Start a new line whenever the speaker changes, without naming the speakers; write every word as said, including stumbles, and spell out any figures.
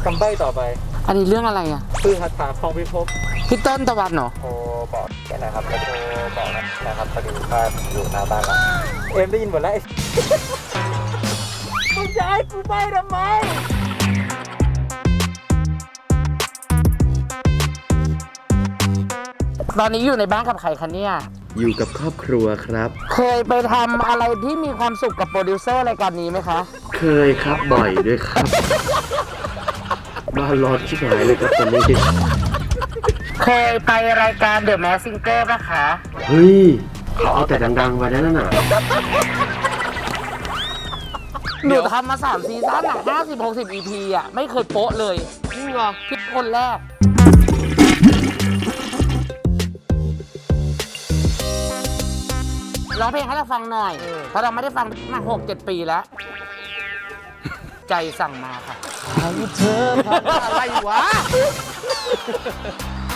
คำใบ้ต่อไป
อันนี้เรื่องอะไรอ่ะ
คือคาถาของพิภพ
พี่ต้นตะวันเหรอ
โทรบอกแกนะครับแล้วโทรบอกนะครับพอดีว่าอยู่หน้าบ้านแล้วเอ็มได้ยินหมดแล้วมึงจะให้กูใบ้ทำไม
ตอนนี้อยู่ในบ้านกับใครคะเนี่ย
อยู่กับครอบครัวครับ
เคยไปทำอะไรที่มีความสุขกับโปรดิวเซอร์รายการนี้ไหมคะ
เคยครับบ่อยด้วยครับ บ้านร้อนชิบหายเลยครับตอนนี้
เคยไปรายการ The Masked Singer ป่ะคะ
เฮ้ยเขาเอาแต่ดังๆไว้นั่นน่ะ
หนูทำมาสามซีซั่นอ่ะห้าสิบหกสิบ อี พี อ่ะ ไม่เคยโป๊ะเลยจริงเหรอพี่คนแรก ร้องเพลงให้เราฟังหน่อย เพราะเราไม่ได้ฟังมาหกเจ็ดปีแล้ว ใจสั่งมาค่ะให้เธออะไรวะ